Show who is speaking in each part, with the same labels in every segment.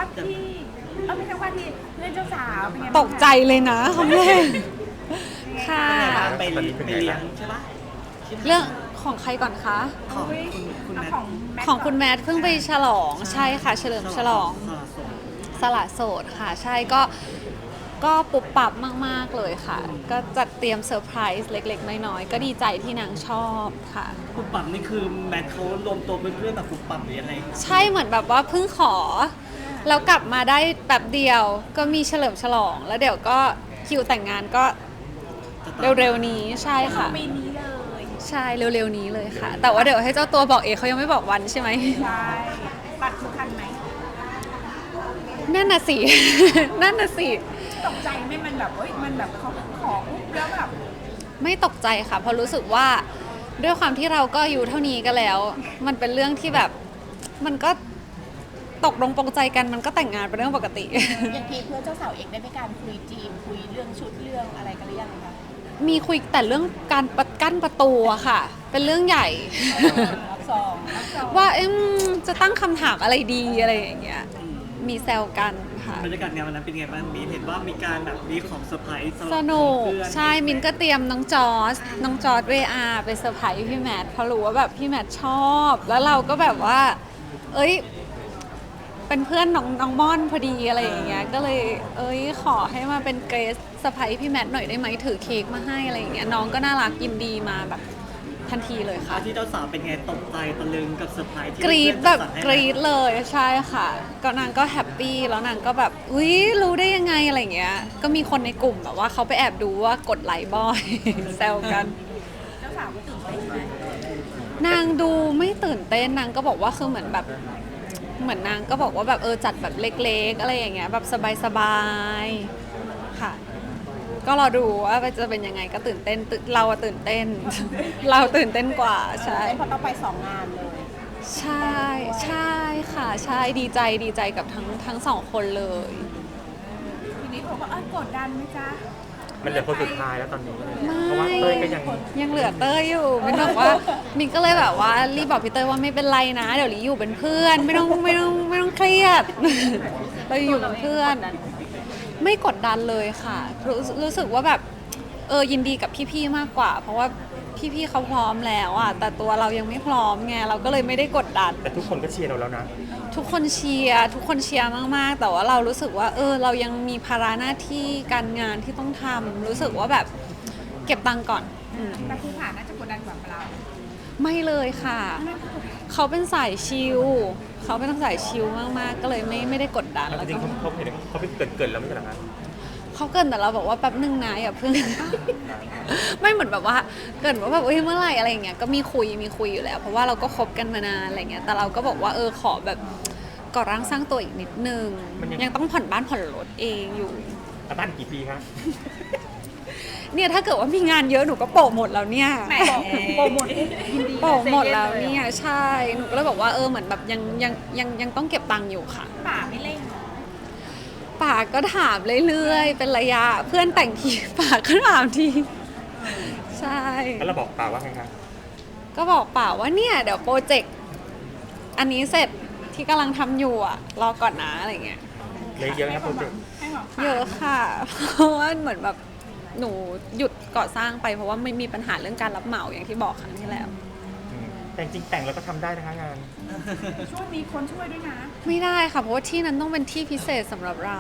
Speaker 1: ว่าที่ไม่ใช่ว่าที่เพื่อนเจ้าสาวเป็นไงบ้างคะ
Speaker 2: ตกใจเลยนะคำแรกค่ะ
Speaker 3: ไปเลี้ยงใช่ปะ
Speaker 2: เรื่องของใครก่อนคะ
Speaker 3: ของคุณแมท
Speaker 2: ของคุณแมทเพิ่งไปฉลองใช่ค่ะเฉลิมฉลองสละโสดค่ะใช่ก็ปุบปับมากๆเลยค่ะ ก็จัดเตรียมเซอร์ไพรส์เล็กๆน้อยๆก็ดีใจที่นางชอบค่ะ
Speaker 3: ปุบปับนี่คือแมทเขารวมตัวเพื่อนๆแบบปุบปับหรือยังไง
Speaker 2: ใช่เหมือนแบบว่าเพิ่งขอแล้วกลับมาได้แบบเดียวก็มีเฉลิมฉลองแล้วเดี๋ยวก็คิวแต่งงานก็เร็วๆนี้ใช่ค่ะ
Speaker 1: ปีนี้เลย
Speaker 2: ใช่เร็วๆนี้เลยค่ะ แต่ว่าเดี๋ยวให้เจ้าตัวบอกเองเขายังไม่บอกวันใช่ไหม
Speaker 1: ใช่ตัดทุกคันไหม
Speaker 2: นั่นน่ะสิ นั่นน่ะสิ
Speaker 1: ตกใจไหมมันแบบมันแบบเขาขอปุ๊บแล้วแบบ
Speaker 2: ไม่ตกใจค่ะเพราะรู้สึกว่าด้วยความที่เราก็อายู่เท่านี้กันแล้ว มันเป็นเรื่องที่แบบมันก็ตกลงปรงใจกันมันก็แต่งงานเป็นเรื่องปกติ
Speaker 1: อย่างทีเพื่อนเจ้าสาวเอกได้มีการคุยจีมคุยเรื่องชุดเรื่องอะไรกันหรือยังคะ
Speaker 2: มีคุยแต่เรื่องการกั้นประตูอะค่ะ เป็นเรื่องใหญ่
Speaker 1: รับซอง
Speaker 2: ว่าจะตั้งคำถามอะไรดีอะไรอย่างเงี้ยมีแซวกันค่ะ
Speaker 3: บรรยากาศงานวันนั้นเป็นไงบ้างมีเห็นว่ามีการแบบมีของเซอร์ไพรส์
Speaker 2: สนุก
Speaker 3: เพื่อน
Speaker 2: ใช่มินก็เตรียมน้องจอร์จเวอาไปเซอร์ไพรส์พี่แมทเพราะรู้ว่าแบบพี่แมทชอบ แล้วเราก็แบบว่า เอ้ยเป็นเพื่อนน้องม่อนพอดีอะไรอย่างเงี้ยก็เลยขอให้มาเป็นเกรซเซอร์ไพรส์พี่แมทหน่อยได้ไหมถือเค้กมาให้อะไรอย่างเงี้ยน้องก็น่ารักยินดีมาแบบทันทีเลยค่ะ
Speaker 3: ที่เจ้าสาวเป็นไงตกใจตะลึงกับเซอร์ไพรส์ที่
Speaker 2: กรี๊ด
Speaker 3: เพื่
Speaker 2: แบ
Speaker 3: อน
Speaker 2: บ
Speaker 3: จัดให้
Speaker 2: กรี๊ดเลยใช่ค่ะก็นางก็แฮปปี้แล้วนางก็แบบอุ๊ยรู้ได้ยังไงอะไรอย่างเงี้ยก็มีคนในกลุ่มแบบว่าเขาไปแอบดูว่ากดไลค์บ่อย แซวกัน
Speaker 1: เจ้าสาวก็ตื่นเต้นไหม
Speaker 2: นางดูไม่ตื่นเต้นนางก็บอกว่าคือเหมือนแบบเหมือนนางก็บอกว่าแบบจัดแบบเล็กๆอะไรอย่างเงี้ยแบบสบายๆค่ะ ก็รอดูว่าจะเป็นยังไงก็ตื่นเต้นเราอะตื่นเต้น เราตื่นเต้นกว่าใช่
Speaker 1: เพราะต้องไป2 งานเลย
Speaker 2: ใช่ค่ะใช่ดีใจกับทั้งสองคนเลย
Speaker 1: ทีนี้เขาก็กดดันไหมจ๊ะ
Speaker 4: มันเหลือคนสุดท้ายแล้วตอนนี้
Speaker 2: ไม่
Speaker 4: เพราะว่าเต้ยก็ยัง
Speaker 2: ยังเหลือเต้ยอยู่มินบอกว่ามินก็เลยแบบว่ารีบบอกพี่เต้ยว่าไม่เป็นไรนะ เดี๋ยวลีอยู่เป็นเพื่อนไม่ต้องเครียด เราอยู่เป็นเพื่อน ไม่กดดันเลยค่ะรู้สึกว่าแบบยินดีกับพี่ๆมากกว่า เพราะว่าพี่ๆเขาพร้อมแล้วอ่ะแต่ตัวเรายังไม่พร้อมไงเราก็เลยไม่ได้กดดัน
Speaker 4: แต่ทุกคนก็เชียร์เราแล้วนะ
Speaker 2: ทุกคนเชียร์มากๆ แต่ว่าเรารู้สึกว่าเรายังมีภาระหน้าที่การงานที่ต้องทำรู้สึกว่าแบบเก็บตังค์ก่อน
Speaker 1: แต่ภูผาน่าจะกดดันกว่าเรา
Speaker 2: ไม่เลยค่ะ เขาเป็นสายชิลเขาเป็นสายชิลมากๆ ก็เลยไม่ได้กดดัน
Speaker 4: แล้ว
Speaker 2: แล้ว
Speaker 4: จริง
Speaker 2: ก็
Speaker 4: ๆเขาเห็นเขาเป็นเกินแล้วไม่ใช่เหรอคะ
Speaker 2: เขาเกรินแต่เราบอกว่าแป๊บนึงนะอย่าเพิ่ง ไม่เหมือนแบบว่าเกรินว่าแบบเมื่อไหร่อะไรอย่างเงี้ยก็มีคุยอยู่แล้ว เพราะว่าเราก็คบกันมานานอะไรเงี้ยแต่เราก็บอกว่าขอแบบก่อร่างสร้างตัวอีกนิดนึงยังต้องผ่อนบ้านผ่อนรถเองอยู่
Speaker 4: แล้วบ้านกี่ปีคะ
Speaker 2: เนี่ยถ้าเกิดว่ามีงานเยอะหนูก็โปะหมดแล้วเนี่ย
Speaker 1: แหมโปรโมทยินดี
Speaker 2: โปะหมดแล้วเนี่ยใช่หนูก็เลยบอกว่าเหมือนแบบยังต้องเก็บตังค์อยู่ค่ะ
Speaker 1: ป่าไม่เร่ง
Speaker 2: ป่าก็ถามเรื่อยๆเป็นระยะเพื่อนแต่งทีป่าก็ถามทีใช่
Speaker 4: แล้วเราบอกป่าว่าไงคะ
Speaker 2: ก็บอกป่าว่าเนี่ยเดี๋ยวโปรเจกต์อันนี้เสร็จที่กำลังทำอยู่อ่ะรอก่อนนะอะไรเงี้ย
Speaker 4: เลยเยอะนะครับโปรเจกต์
Speaker 1: ให้หมอ
Speaker 2: เยอะค่ะ เพราะว่าเหมือนแบบหนูหยุดก่อสร้างไปเพราะว่าไม่มีปัญหาเรื่องการรับเหมาอย่างที่บอกครั้งที่แล้ว
Speaker 4: แต่จริงๆแต่งเราก็ทำได้นะคะงาน
Speaker 1: ช่วยมีคนช่วยด้วยนะ
Speaker 2: ไม่ได้ค่ะเพราะว่าที่นั้นต้องเป็นที่พิเศษสำหรับเรา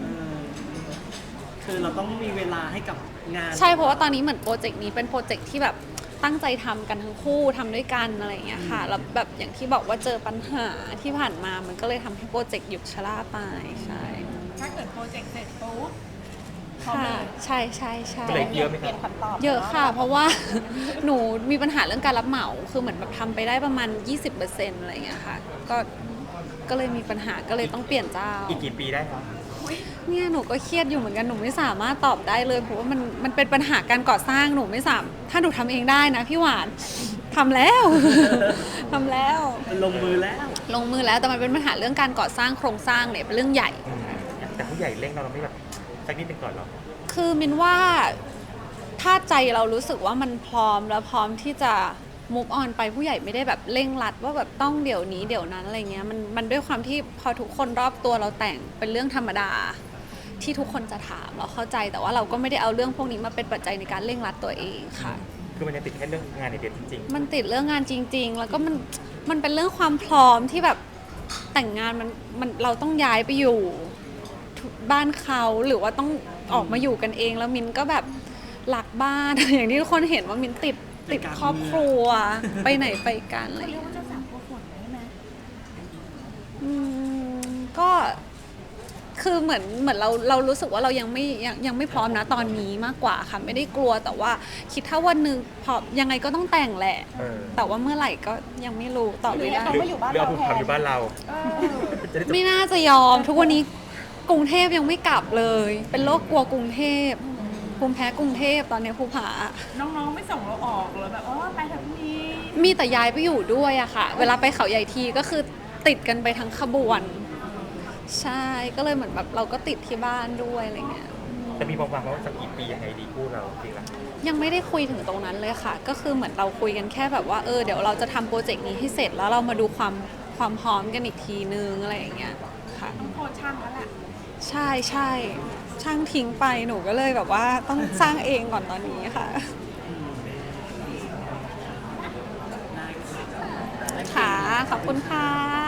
Speaker 3: คือเราต้องมีเวลาให้กับงาน
Speaker 2: ใช่เพราะว่าตอนนี้เหมือนโปรเจกต์นี้เป็นโปรเจกต์ที่แบบตั้งใจทำกันทั้งคู่ทำด้วยกันอะไรอย่างเงี้ยค่ะแล้วแบบอย่างที่บอกว่าเจอปัญหาที่ผ่านมามันก็เลยทำให้โปรเจกต์หยุดชะล่าไปใช่
Speaker 1: ถ้าเกิดโปรเจกต์เสร็จปุ๊บ
Speaker 2: ค่ะใช่ใช่
Speaker 4: ก็เลยเยอะไหม
Speaker 1: เป
Speaker 4: ครั
Speaker 1: ลี่ย
Speaker 4: บ
Speaker 1: นคำตอบ
Speaker 2: เยอะค่ะ เพราะว่า หนูมีปัญหาเรื่องการรับเหมาคือเหมือนแบบทำไปได้ประมาณ 20%อะไรอย่างเงี้ยค่ะก็เลยมีปัญหาก็เลยต้องเปลี่ยนเจ้า
Speaker 4: อีกกี่ปีได้ครับ
Speaker 2: เนี่ยหนูก็เครียดอยู่เหมือนกันหนูไม่สามารถตอบได้เลยเพราะว่ามันเป็นปัญหาการก่อสร้างหนูไม่สามถ้าหนูทำเองได้นะพี่หวานทำแล้ว ทำแล้ว
Speaker 3: ลงมือแล้ว
Speaker 2: ลงมือแล้วแต่มันเป็นปัญหาเรื่องการก่อสร้างโครงสร้างเนี่ยเป็นเรื่องใหญ่
Speaker 4: แต่ผู้ใหญ่เร่งเราไม่แบบสักนิดหนึงก่อนหรอ
Speaker 2: คือมินว่าถ้าใจเรารู้สึกว่ามันพร้อมแล้วพร้อมที่จะ move on ไปผู้ใหญ่ไม่ได้แบบเร่งรัดว่าแบบต้องเดี๋ยวนี้เดี๋ยวนั้นอะไรเงี้ยมันด้วยความที่พอทุกคนรอบตัวเราแต่งเป็นเรื่องธรรมดาที่ทุกคนจะถามเราเข้าใจแต่ว่าเราก็ไม่ได้เอาเรื่องพวกนี้มาเป็นปัจจัยในการเร่งรัดตัวเองค่ะ
Speaker 4: คือมันยังติดแค่เรื่องงานในเดียวจริง
Speaker 2: มันติดเรื่องงานจริง ๆ แล้วก็มันเป็นเรื่องความพร้อมที่แบบแต่งงานมันเราต้องย้ายไปอยู่บ้านเขาหรือว่าต้องออกมาอยู่กันเองแล้วมินก็แบบหลักบ้าน อย่างที่ทุกคนเห็นว่ามินติดครอบครัว ไปไหนไปกันอะไรอ
Speaker 1: เขา
Speaker 2: ย่าง
Speaker 1: เรียก
Speaker 2: เงี้ย
Speaker 1: ว่าเจ้าสาวกลัวฝนใช่ไหม
Speaker 2: ก็คือเหมือนเรารู้สึกว่าเรายังไม่พร้อมนะตอนนี้มากกว่าค่ะไม่ได้กลัวแต่ว่าคิดถ้าวันหนึ่งพอยังไงก็ต้องแต่งแหละ
Speaker 4: ๆ
Speaker 2: แต่ว่าเมื่อไหร่ก็ยังไม่รู้ตอบไม่ได้
Speaker 1: เขามาอยู่บ้าน
Speaker 4: เรือ
Speaker 1: เรา
Speaker 4: ผูก
Speaker 1: แท
Speaker 4: พัน
Speaker 1: น
Speaker 4: อยู่บ้านเรา
Speaker 1: เออ
Speaker 4: จะได้จบ
Speaker 2: ไม่น่าจะยอม ทุกวันนี้กรุงเทพยังไม่กลับเลย เป็นโรคกลัวกรุงเทพภูมิแพ้กรุงเทพตอนนี้ภูผา
Speaker 1: น้องๆไม่ส่งเราออกเลยแบบไปเถอะพี่
Speaker 2: มีแต่ย้ายไปอยู่ด้วยอะค่ะ เวลาไปเขาใหญ่ทีก็คือติดกันไปทั้งขบวน ใช่ก็เลยเหมือนแบบเราก็ติดที่บ้านด้วยอะไรเงี้ย
Speaker 4: จะมีวางว่าสักกี่ปียังไงดีคู่เราจริงละ
Speaker 2: ยังไม่ได้คุยถึงตรงนั้นเลยค่ะ ก็คือเหมือนเราคุยกันแค่แบบว่าเดี๋ยวเราจะทำโปรเจกต์นี้ให้เสร็จแล้วเรามาดูความพร้อมกันอีกทีนึงอะไรอย่างเงี้ยค่ะ
Speaker 1: ต้องโทษช่างแล้วแหละ
Speaker 2: ใช่ช่างทิ้งไปหนูก็เลยแบบว่าต้องสร้างเองก่อนตอนนี้ค่ะ ค่ะ ขอบคุณค่ะ